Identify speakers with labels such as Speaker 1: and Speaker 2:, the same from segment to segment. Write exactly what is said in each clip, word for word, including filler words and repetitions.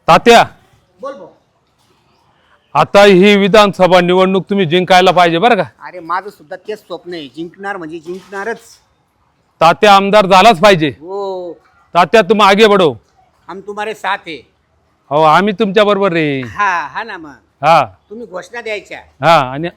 Speaker 1: तात्या
Speaker 2: बोल भाऊ.
Speaker 1: आता ही विधानसभा निवडणूक तुम्ही जिंकायला पाहिजे बरं का.
Speaker 2: अरे माझं सुद्धा तेच स्वप्न आहे, जिंकणार म्हणजे जिंकणारच.
Speaker 1: तात्या आमदार झालाच पाहिजे.
Speaker 2: हो,
Speaker 1: तात्या तुम आगे बढो.
Speaker 2: हम तुम्हारे साथ है.
Speaker 1: हो आम्ही तुमच्या बरोबर रे.
Speaker 2: हा हा ना मग
Speaker 1: हा
Speaker 2: तुम्ही घोषणा द्यायच्या.
Speaker 1: हा आणि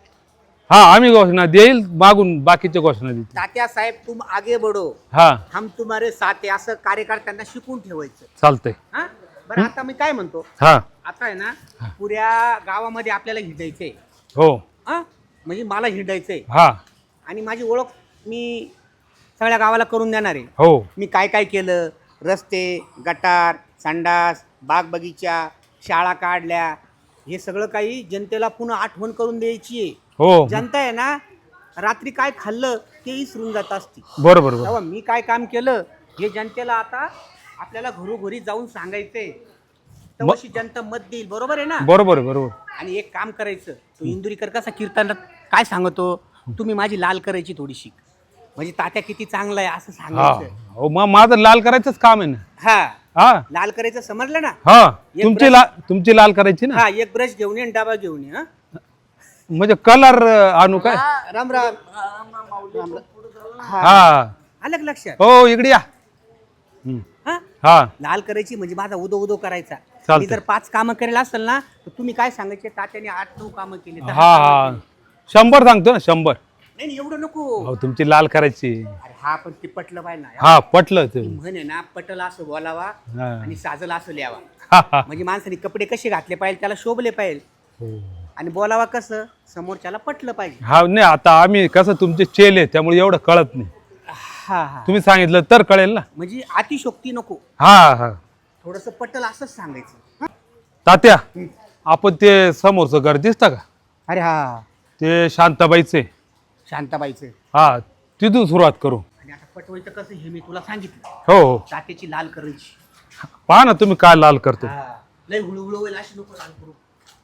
Speaker 1: हा आम्ही घोषणा देईल, मागून बाकीच्या घोषणा देतील.
Speaker 2: तात्या साहेब तुम आगे बढो,
Speaker 1: हा
Speaker 2: हम तुम्हारे साथ है असं कार्यकर्त्यांना शिकून ठेवायचं.
Speaker 1: चालतंय.
Speaker 2: हा बरं, आता मी काय म्हणतो,
Speaker 1: हा
Speaker 2: आता आहे ना पुऱ्या गावामध्ये आपल्याला हिंडायचंय.
Speaker 1: हो
Speaker 2: हा म्हणजे मला हिंडायचंय
Speaker 1: हा
Speaker 2: आणि माझी ओळख मी सगळ्या गावाला करून देणार आहे.
Speaker 1: हो
Speaker 2: मी काय काय केलं, रस्ते, गटार, संडास, बाग बगीचा, शाळा काढल्या, हे सगळं काही जनतेला पुन्हा आठवण करून द्यायची आहे.
Speaker 1: हो
Speaker 2: जनता आहे ना रात्री काय खाल्लं ते विसरून जात असते.
Speaker 1: बरोबर बरोबर.
Speaker 2: तेव्हा मी काय काम केलं हे जनतेला आता आपल्याला घरोघरी जाऊन सांगायचंय, तेव्हाशी जनता मत देईल. बरोबर आहे ना.
Speaker 1: बरोबर बरोबर.
Speaker 2: आणि एक काम करायचं, तो इंदुरीकर कसा कीर्तनात काय सांगतो, तुम्ही माझी लाल करायची थोडीशी, म्हणजे तात्या किती चांगला आहे असं
Speaker 1: हा
Speaker 2: सांगायचं.
Speaker 1: हो मग माझं लाल करायचंच काम आहे ना.
Speaker 2: हा
Speaker 1: हा
Speaker 2: लाल करायचं, समजलं ना.
Speaker 1: हा
Speaker 2: एक
Speaker 1: तुमची
Speaker 2: ब्रश-
Speaker 1: लाल तुमची लाल करायची ना.
Speaker 2: हा एक ब्रश घेऊन ये आणि डबा घेऊन ये. हा
Speaker 1: म्हणजे कलर आणू काय.
Speaker 2: राम राम राम. हा
Speaker 1: हा
Speaker 2: आलं का लक्षात.
Speaker 1: हो इकडे या. हम्म.
Speaker 2: हा
Speaker 1: हा
Speaker 2: लाल करायची म्हणजे माझा उदो उदो करायचा.
Speaker 1: चालतंय.
Speaker 2: मी जर पाच कामं करेल असेल ना तर तुम्ही काय सांगायचे, तात्याने आठ नऊ कामं केली, दहा
Speaker 1: हा
Speaker 2: कामं
Speaker 1: हा
Speaker 2: केली.
Speaker 1: शंभर सांगतो ना शंभर.
Speaker 2: नाही नाही, एवढं नको.
Speaker 1: हो तुमची लाल करायची.
Speaker 2: अरे हा पण ते पटलं पाहिजे ना.
Speaker 1: हा पटलं ते.
Speaker 2: म्हणे ना पटल असं बोलावा
Speaker 1: हा.
Speaker 2: आणि साजल असं लिहावा.
Speaker 1: हा, हा.
Speaker 2: म्हणजे माणसाने कपडे कसे घातले पाहिजे, त्याला शोभले पाहिजे,
Speaker 1: हो.
Speaker 2: आणि बोलावा कसं समोरच्याला पटलं पाहिजे.
Speaker 1: हा नाही आता आम्ही कसं तुमचे चेले त्यामुळे एवढं कळत नाही.
Speaker 2: हा हा
Speaker 1: तुम्ही सांगितलं तर कळेल ना.
Speaker 2: म्हणजे अतिशोक्ती नको,
Speaker 1: हा हा
Speaker 2: थोडस पटल असंच सांगायचं. हा?
Speaker 1: तात्या आपण ते समोरचं घर दिसतं का,
Speaker 2: अरे हा
Speaker 1: ते शांताबाईचे.
Speaker 2: शांताबाईचं.
Speaker 1: हा तिथून सुरुवात करू.
Speaker 2: आणि आता पटवायचं कसं हे मी तुला सांगितलं.
Speaker 1: हो हो
Speaker 2: तात्याची लाल करायची.
Speaker 1: पहा ना तुम्ही काय लाल करतो.
Speaker 2: हा. लय हुळहुळ होईल अशी नको लाल करू.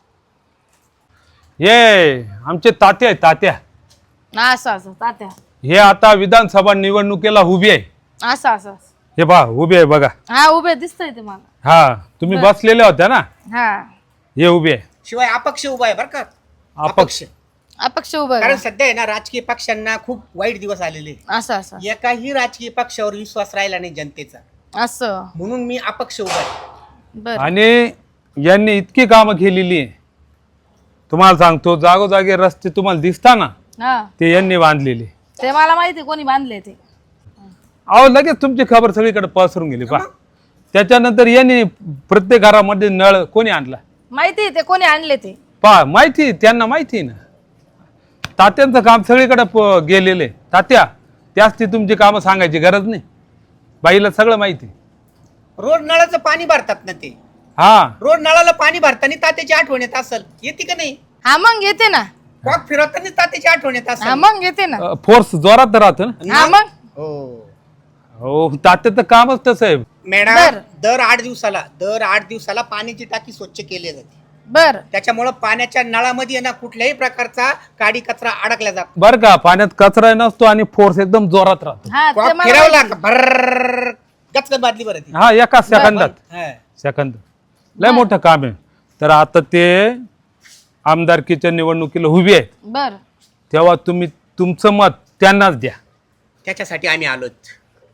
Speaker 1: ये आमचे तात्या आहे तात्या.
Speaker 3: असं असं तात्या,
Speaker 1: हे आता विधानसभा निवडणुकीला उभी आहे.
Speaker 3: असं असं असं.
Speaker 1: हे पहा उभी आहे बघा.
Speaker 3: हा उभे दिसतंय ते मला.
Speaker 1: हा तुम्ही बसलेल्या होत्या ना,
Speaker 3: हा
Speaker 1: हे उभी आहे.
Speaker 2: शिवाय अपक्ष उभा आहे बरं का.
Speaker 1: अपक्ष.
Speaker 3: अपक्ष उभं
Speaker 2: कारण
Speaker 3: आहे.
Speaker 2: सध्या आहे ना राजकीय पक्षांना खूप वाईट दिवस आलेले.
Speaker 3: असं असं
Speaker 2: एकाही राजकीय पक्षावर विश्वास राहिला नाही जनतेचा,
Speaker 3: असं.
Speaker 2: म्हणून मी अपक्ष उभा आहे.
Speaker 3: बर
Speaker 1: आणि यांनी इतकी कामं केलेली आहे, तुम्हाला सांगतो जागोजागी रस्ते तुम्हाला दिसता ना
Speaker 3: हा
Speaker 1: ते यांनी बांधलेले.
Speaker 3: ते मला माहिती कोणी बांधले ते.
Speaker 1: अहो लगेच तुमची खबर सगळीकडे पसरून गेली. पहा त्याच्यानंतर यांनी प्रत्येक घरामध्ये नळ कोणी आणला
Speaker 3: माहिती आहे ते कोणी आणले ते.
Speaker 1: पहा माहिती त्यांना माहिती आहे ना. तात्यांचं काम सगळीकडे प- गेलेलं आहे. तात्या त्याच ती तुमची कामं सांगायची गरज नाही, बाईला सगळं माहिती.
Speaker 2: रोज नळाचं पाणी भरतात ना ते.
Speaker 1: हा
Speaker 2: रोज नळाला पाणी भरताना तात्याची आठवण येत असेल, येते का नाही.
Speaker 3: हा मग येते ना.
Speaker 2: कॉक फिरवताना तात्याची आठवण येत
Speaker 3: हा
Speaker 2: असेल.
Speaker 3: मग येते ना.
Speaker 1: फोर्स जोरात राहतो ना.
Speaker 3: हा मग
Speaker 2: हो
Speaker 1: हो तात्याचं कामच तसं आहे.
Speaker 2: मॅडम,
Speaker 3: बर.
Speaker 2: दर आठ दिवसाला दर आठ दिवसाला पाण्याची टाकी स्वच्छ केली जाते.
Speaker 3: बर
Speaker 2: त्याच्यामुळे पाण्याच्या नळामध्ये आहे ना कुठल्याही प्रकारचा काडी कचरा अडकला जातो.
Speaker 1: बरं का, पाण्यात कचरा नसतो आणि फोर्स एकदम जोरात राहतो.
Speaker 3: हा ते
Speaker 2: कॉक
Speaker 3: मला
Speaker 2: फिरवला
Speaker 3: माहिती.
Speaker 2: का भर गचकन बादली बरं ती.
Speaker 1: हा एका सेकंदात.
Speaker 2: हा.
Speaker 1: सेकंद लय मोठं काम आहे. तर आता ते आमदारकीच्या निवडणुकीला उभी आहे,
Speaker 3: बर
Speaker 1: तेव्हा तुम्ही तुमचं मत त्यांनाच द्या.
Speaker 2: त्याच्यासाठी आम्ही आलोत.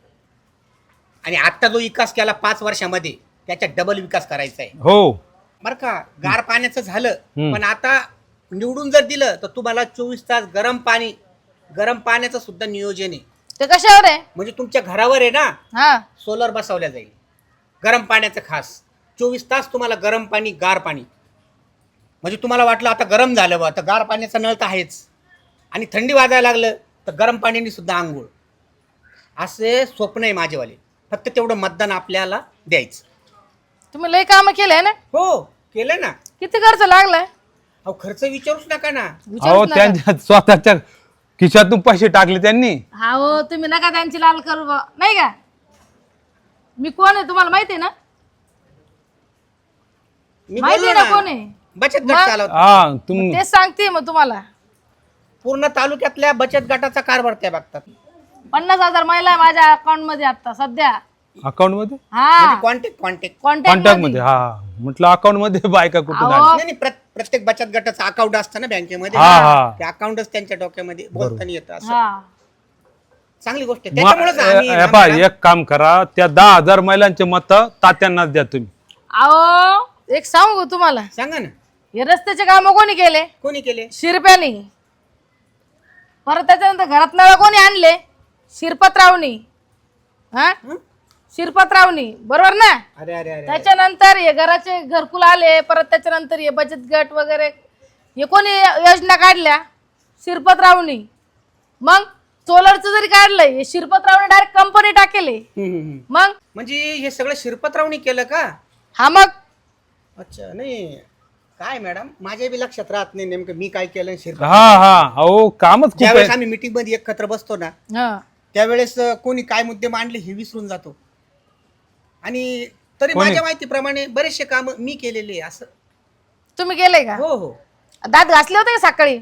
Speaker 2: आणि आता जो विकास केला पाच वर्षामध्ये त्याचा डबल विकास करायचा आहे
Speaker 1: हो
Speaker 2: बरं का. गार पाण्याचं झालं,
Speaker 1: हम्म.
Speaker 2: पण आता निवडून जर दिलं तर तुम्हाला चोवीस तास गरम पाणी, गरम पाण्याचं सुद्धा नियोजन आहे.
Speaker 3: ते कशावर आहे.
Speaker 2: म्हणजे तुमच्या घरावर आहे ना
Speaker 3: हा
Speaker 2: सोलर बसवल्या जाईल, गरम पाण्याचं खास. चोवीस तास तुम्हाला गरम पाणी, गार पाणी. म्हणजे तुम्हाला वाटलं आता गरम झालं बा, तर गार पाण्याचा नळ तर आहेच, आणि थंडी वाजायला लागलं तर गरम पाण्याने सुद्धा आंघोळ. असे स्वप्न आहे माझेवाले. फक्त तेवढं मतदान आपल्याला द्यायचं.
Speaker 3: तुम्ही लय काम केलंय ना.
Speaker 2: हो केलं ना.
Speaker 3: किती खर्च लागलाय.
Speaker 2: अहो खर्च विचारूच नका ना.
Speaker 1: अहो
Speaker 3: विचारूच नका.
Speaker 1: त्यांच्या स्वतःच्या खिशातून पैसे टाकले त्यांनी.
Speaker 3: हा हो तुम्ही नका त्यांची लाल करू बा. नाही का. मी कोण आहे तुम्हाला माहिती आहे ना.
Speaker 2: मी
Speaker 3: माहिती
Speaker 2: बोललो
Speaker 3: आहे ना
Speaker 2: ना,
Speaker 3: कोण आहे.
Speaker 2: बचत गट
Speaker 3: मग?
Speaker 2: चालवतो.
Speaker 1: हा तुम
Speaker 3: तेच सांगते मग तुम्हाला.
Speaker 2: पूर्ण तालुक्यातल्या बचत गटाचा कारभार त्या बघतात.
Speaker 3: पन्नास हजार महिला आहे माझ्या अकाउंट मध्ये आता सध्या.
Speaker 1: अकाउंट मध्ये
Speaker 3: हा
Speaker 2: कॉन्टॅक्ट कॉन्टॅक्ट
Speaker 3: कॉन्टॅक्ट
Speaker 1: कॉन्टॅक्ट मध्ये हा म्हटलं अकाउंट मध्ये बायका कुठं
Speaker 3: अहो.
Speaker 1: झाली
Speaker 2: नाही नाही, प्रत- प्रत्येक बचत गटाचं अकाउंट असतं ना बँकेमध्ये
Speaker 1: हा हा
Speaker 2: ते अकाउंटच त्यांच्या डोक्यामध्ये बोलताना येतं असं
Speaker 3: हा
Speaker 2: चांगली गोष्ट आहे
Speaker 1: मग,
Speaker 2: त्याच्यामुळेच आम्ही
Speaker 1: ए-
Speaker 2: ना
Speaker 1: ए पहा,
Speaker 2: मॅडम,
Speaker 1: एक काम करा त्या दहा हजार महिलांचे मत तात्यांनाच द्या तुम्ही.
Speaker 3: अहो एक सांगू तुम्हाला
Speaker 2: सांगा ना
Speaker 3: हे रस्त्याचे काम कोणी केले
Speaker 2: कोणी केले
Speaker 3: शिरप्यानी. परत त्याच्यानंतर घरात नळ कोणी आणले शिरपतरावनी. हा
Speaker 2: हं?
Speaker 3: शिरपतरावनी बरोबर ना.
Speaker 2: अरे अरे अरे
Speaker 3: त्याच्यानंतर हे घराचे घरकुल आले. परत त्याच्यानंतर हे बचत गट वगैरे हे कोणी योजना काढल्या शिरपतरावनी. मग सोलरचं जरी काढलंय हे शिरपतरावने डायरेक्ट कंपनी टाकेले.
Speaker 2: हम्म, हम्म, हम्म.
Speaker 3: मग
Speaker 2: म्हणजे हे सगळं शिरपतरावनी केलं का
Speaker 3: हा मग
Speaker 2: अच्छा नाही काय मॅडम माझ्या बी लक्षात राहत नाही नेमकं मी काय केलं शिरपत
Speaker 1: हा हा अहो कामच खूप
Speaker 2: ज्यावेळेस
Speaker 1: आहे.
Speaker 2: आम्ही मीटिंग मध्ये एकत्र बसतो ना
Speaker 3: हा
Speaker 2: त्यावेळेस अं, कोणी काय मुद्दे मांडले हे विसरून जातो आणि तरी
Speaker 1: कोणी?
Speaker 2: माझ्या माहितीप्रमाणे बरेचसे काम मी केलेले आहे असं
Speaker 3: तुम्ही गेले का
Speaker 2: हो हो
Speaker 3: दात घासले होते का सकाळी.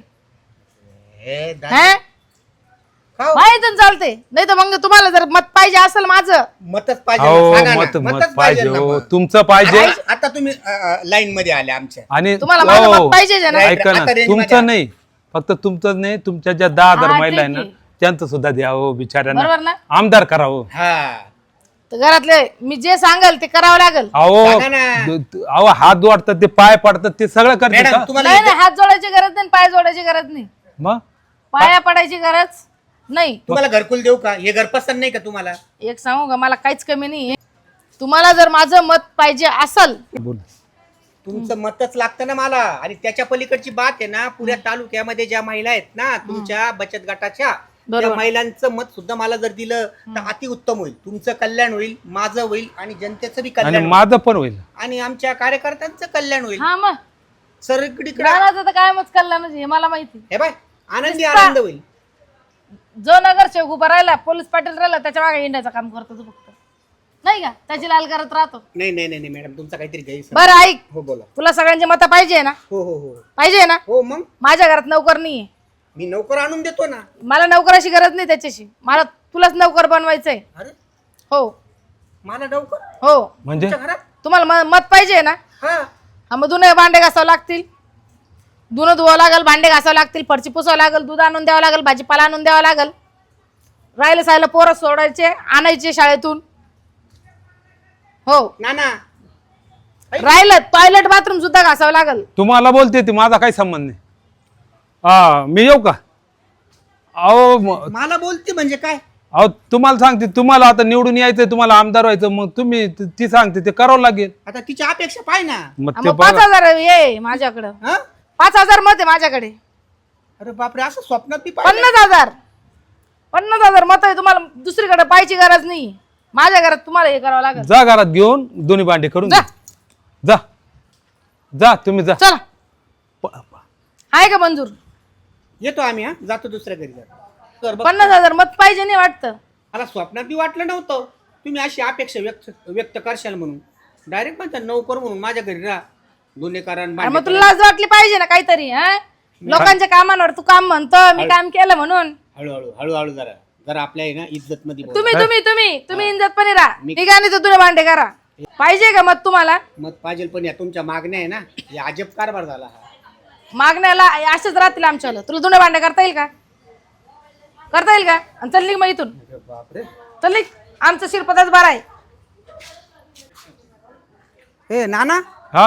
Speaker 2: हे दा-
Speaker 3: हा
Speaker 2: का हो?
Speaker 3: माहिती चालते नाही तर मग तुम्हाला जर मत पाहिजे असेल माझं
Speaker 2: मतच पाहिजे
Speaker 1: हो
Speaker 2: ना, सांगा ना.
Speaker 1: मत मत
Speaker 2: मतच
Speaker 1: पाहिजे
Speaker 2: ना
Speaker 1: हो
Speaker 2: मग.
Speaker 1: तुमचं पाहिजे
Speaker 2: आता- आता तुम्ही लाईन मध्ये आले आमच्या
Speaker 1: आणि
Speaker 3: तुम्हाला माझं
Speaker 1: हो,
Speaker 3: मत पाहिजे ना.
Speaker 1: ऐका ना
Speaker 2: आता range मध्ये
Speaker 1: तुमचं नाही फक्त तुमचं नाही तुमच्या ज्या दहा हजार
Speaker 3: हा,
Speaker 1: महिला आहे
Speaker 3: ठीक
Speaker 1: ना
Speaker 3: आहे.
Speaker 1: त्यांचं सुद्धा द्या हो बिचाऱ्यांना
Speaker 3: बरोबर ना.
Speaker 1: आमदार करावं.
Speaker 2: हा
Speaker 3: तर घरातले मी जे सांगल ते करावं लागेल.
Speaker 1: अहो
Speaker 2: सांगा ना.
Speaker 1: द- द- अहो हात जोडतात ते पाय पडतात ते सगळं करतात
Speaker 2: मॅडम
Speaker 1: का?
Speaker 2: तुम्हाला
Speaker 3: नाही नाही हात जोडायची गरज नाही पाय जोडायची गरज नाही.
Speaker 1: मग
Speaker 3: पाया पडायची गरज नाही.
Speaker 2: तुम्हाला घरकुल देऊ का हे घर पसंत नाही का तुम्हाला
Speaker 3: एक सांगू का मला काहीच कमी नाही. तुम्हाला जर माझं मत पाहिजे असल
Speaker 1: बोल
Speaker 2: तुमचं मतच लागतं ना मला आणि त्याच्या पलीकडची बात आहे ना पुऱ्या तालुक्यामध्ये ज्या महिला आहेत ना तुमच्या बचत गटाच्या त्या
Speaker 3: बरोबर.
Speaker 2: महिलांचं मत सुद्धा मला जर दिलं तर अति उत्तम होईल तुमचं कल्याण होईल माझं होईल आणि जनतेचं बी
Speaker 1: आणि
Speaker 2: कल्याण होईल.
Speaker 1: माझं पण होईल.
Speaker 2: आणि आमच्या कार्यकर्त्यांचं कल्याण होईल
Speaker 3: हा मग
Speaker 2: सगळीकडे
Speaker 3: राणाचं तर काय मत कळलं हे मला माहिती.
Speaker 2: हे बाय आनंदी
Speaker 3: नुसता-
Speaker 2: आनंद होईल
Speaker 3: जो नगरसेवक उभा राहिला पोलीस पाटील राहिला त्याच्या मागे इंडियाचं काम करतो तू फक्त नाही का त्याची लाल करत राहतो.
Speaker 2: नाही नाही नाही नाही, मॅडम तुमचा काहीतरी गैरसमज
Speaker 3: बरं ऐक
Speaker 2: हो बोला
Speaker 3: तुला सगळ्यांची मतं पाहिजे ना
Speaker 2: हो हो हो
Speaker 3: पाहिजे ना.
Speaker 2: हो मग
Speaker 3: माझ्या घरात नोकर नाहीये
Speaker 2: मी नोकर आणून देतो ना
Speaker 3: मला नोकराची गरज नाही त्याच्याशी मला तुलाच नोकर बनवायचंय.
Speaker 2: अरे
Speaker 3: हो
Speaker 2: मला नोकर
Speaker 3: हो
Speaker 1: म्हणजे
Speaker 2: तुमच्या घरात
Speaker 3: तुम्हाला म- मत पाहिजे ना.
Speaker 2: हा
Speaker 3: हा मग धुणे भांडे घासावं लागतील धुणं धुवावं लागेल भांडे घासावं लागतील फरची पुसावं लागेल दूध आणून द्यावं लागेल भाजीपाला आणून द्यावं लागेल राहिलं सायला पोरं सोडायचे आणायचे शाळेतून. हो
Speaker 2: ना ना
Speaker 3: राहिलं टॉयलेट बाथरूम सुद्धा घासावं लागेल.
Speaker 1: तुम्हाला बोलते ती माझा काही संबंध नाही. हा मी येऊ का? अहो म-
Speaker 2: मला बोलते म्हणजे काय
Speaker 1: अहो तुम्हाला सांगते तुम्हाला आता निवडून यायचंय तुम्हाला आमदार व्हायचं मग तुम्ही ती ती सांगते ते करावं लागेल.
Speaker 2: आता तिची अपेक्षा पाय ना
Speaker 1: मग
Speaker 3: हा,
Speaker 1: ते
Speaker 3: मग पाच
Speaker 1: बघा.
Speaker 3: हजार ये माझ्याकडं
Speaker 2: हा
Speaker 3: पाच हजार मत आहे माझ्याकडे.
Speaker 2: अरे बापरे असं स्वप्नात बी पाहिलं?
Speaker 3: पन्नास हजार पन्नास हजार मत आहे तुम्हाला दुसरीकडे पाहायची गरज नाही. माझ्या घरात तुम्हाला हे करावं लागेल.
Speaker 1: जा घरात घेऊन दोन्ही भांडे करून
Speaker 3: जा.
Speaker 1: घे. जा जा तुम्ही जा.
Speaker 3: चला
Speaker 1: प- प-
Speaker 3: आहे का मंजूर.
Speaker 2: येतो आम्ही हा जातो दुसऱ्या घरी जातो तर बघ,
Speaker 3: पन्नास हजार मत पाहिजे नाही वाटतं.
Speaker 2: मला स्वप्नात बी वाटलं नव्हतं तुम्ही अशी अपेक्षा व्यक्त व्यक्त करशाल म्हणून डायरेक्ट म्हणता नोकर म्हणून माझ्या घरी राहा दोन्ही कारण
Speaker 3: अरे मग तुला लाज वाटली पाहिजे ना काहीतरी. हा लोकांच्या कामांवर तू काम म्हणतो मी काम केलं म्हणून.
Speaker 2: हळूहळू हळूहळू जरा जरा आपल्या आहे ना इज्जत मध्ये बोल.
Speaker 3: तुम्ही तुम्ही तुम्ही तुम्ही इंजतपणे राहा ठीक आहे. तर तुला भांडे करा पाहिजे का मत तुम्हाला.
Speaker 2: मत पाहिजे पण या तुमच्या मागण्या आहे ना हे अजब कारभार झाला हा
Speaker 3: मागण्याला असेच राहतील आमच्याला. तुला धुणे भांडे करता येईल का करता येईल का. आणि चल निघ मग इथून
Speaker 2: अरे बापरे
Speaker 3: चल निघ आमचं शिरपताच बरं आहे.
Speaker 2: ए नाना
Speaker 1: हा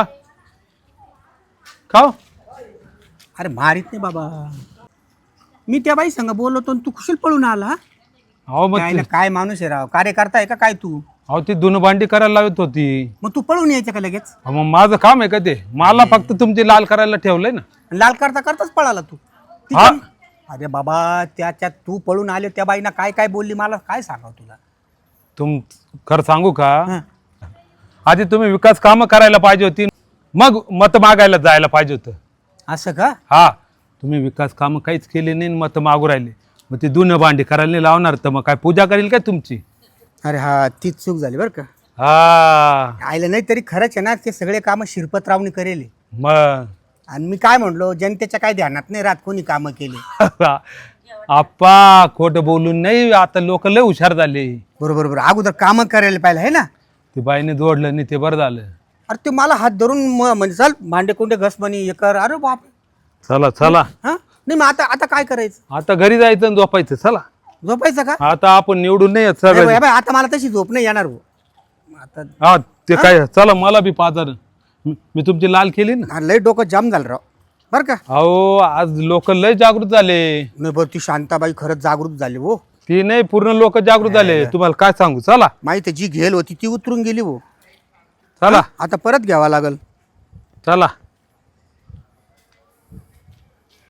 Speaker 1: खाओ.
Speaker 2: अरे मारित नाही बाबा मी त्या बाई संग बोलवतो आणि तू कुशल पळून आला
Speaker 1: अहो मग
Speaker 2: काय
Speaker 1: ते-
Speaker 2: ना काय माणूस आहे राव कार्यकर्ता आहे का काय तू
Speaker 1: अहो ती दोन भांडी करायला लावत होती.
Speaker 2: मग तू पळून यायचं का लगेच
Speaker 1: अहो, मग माझं काम आहे का ते मला फक्त तुमची लाल करायला ठेवलंय ना.
Speaker 2: लाल करता करताच पळाला तू ती
Speaker 1: हा.
Speaker 2: पण- अरे बाबा त्याच्यात तू पळून आले त्या बाईना काय काय बोलली मला काय सांगाव तुला
Speaker 1: तुम खरं सांगू का
Speaker 2: हं.
Speaker 1: आधी तुम्ही विकास कामं करायला पाहिजे होती मग मत मागायला जायला पाहिजे होतं.
Speaker 2: असं का
Speaker 1: हा तुम्ही विकास कामं काहीच केले नाही आणि मत मागू राहिले मग ती दोन भांडी करायला नाही लावणार तर मग काय पूजा करेल काय तुमची.
Speaker 2: अरे हा तीच चूक झाली बरं का
Speaker 1: हा
Speaker 2: आयलं नाही तरी खरंच आहे ना ते सगळे कामं शिरपतरावनी करेले
Speaker 1: मग
Speaker 2: आणि मी काय म्हणलो जनतेच्या काय ध्यानात नाही राहत कोणी कामं केली
Speaker 1: आप्पा खोटं बोलून नाही, आता लोक लय हुशार झाले.
Speaker 2: बरोबर बरोबर अगोदर कामं करायला पाहिजे आहे ना.
Speaker 1: ते बाईने जोडलं नाही ते बरं झालं.
Speaker 2: अरे ते मला हात धरून म- म्हणजे चल भांडे कुंडे घस म्हणे हे कर. अरे बाप.
Speaker 1: चला चला
Speaker 2: हा नाही मग आता आता काय करायचं.
Speaker 1: आता घरी जायचं आणि झोपायचं. चला
Speaker 2: झोपायचं का.
Speaker 1: आता आपण निवडून नाही येत
Speaker 2: नाही
Speaker 1: सगळं.
Speaker 2: बाई, बाई, आता मला तशी झोप नाही येणार भाऊ. आता
Speaker 1: हा ते काय चला मला बी पाजार. मी तुमची लाल केली ना.
Speaker 2: हा, लय डोकं जाम झालं राव बरं का.
Speaker 1: अहो आज लोक लय जागृत झाले.
Speaker 2: नाही बरं ती शांताबाई खरंच जागृत झाली हो.
Speaker 1: ती नाही पूर्ण लोक जागृत झाले. तुम्हाला काय सांगू. चला
Speaker 2: माहिती जी घेल होती ती उतरून गेली हो.
Speaker 1: चला
Speaker 2: आता परत घ्यावा लागल.
Speaker 1: चला